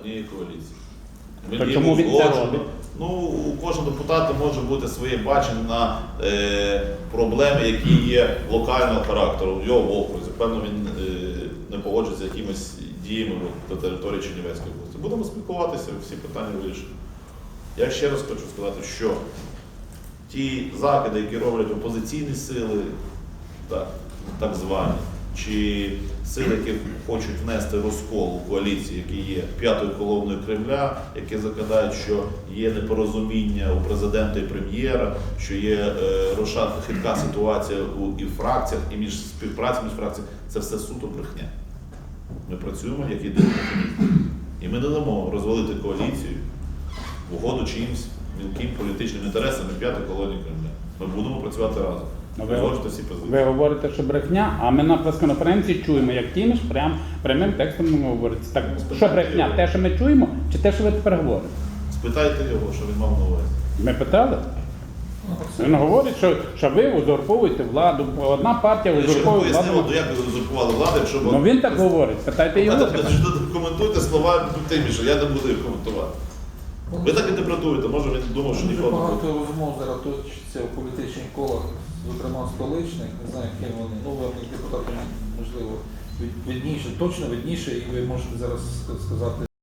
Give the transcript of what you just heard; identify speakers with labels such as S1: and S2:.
S1: однієї коаліції.
S2: То чому він це робить?
S1: Ну, у кожного депутата може бути своє бачення на проблеми, які є локального характеру в його в окрузі. Певно, він не погоджується з якимись діями до території Чернівецької області. Будемо спілкуватися, всі питання вирішимо. Я ще раз хочу сказати, що ті закиди, які роблять опозиційні сили, так звані, чи сили, які хочуть внести розкол у коаліції, які є п'ятою колоною Кремля, які закидають, що є непорозуміння у президента і прем'єра, що є хитка ситуація і в фракціях, і між співпрацею між фракціями, це все суто брехня. Ми працюємо як єдиний механізм. І ми не дамо розвалити коаліцію в угоду чиїмсь мілким політичним інтересам і п'ятої колонії Кремля. Ми будемо працювати разом.
S2: Ви говорите, що брехня, а ми на прес-конференції чуємо, як Тіміш прямим текстом говорить. Так, що брехня? Те, що ми чуємо, чи те, що ви тепер говорите?
S1: Спитайте його, що він мав на увазі.
S2: Ми питали? Він говорить, що ви узурпуєте владу, одна партія узурпує владу.
S1: Як ви узурпували владу, якщо...
S2: Ну він так говорить, питайте його.
S1: Коментуйте слова Тиміша, я не буду їх коментувати. Ви так інтерпретуєте, може він думав, що ніколи не буде.
S3: Багато розмов зараз точиться в політичних колах, зокрема столичних, не знаю, ким вони. Ну, ви як депутати, можливо, видніше, точно видніше, і ви можете зараз сказати.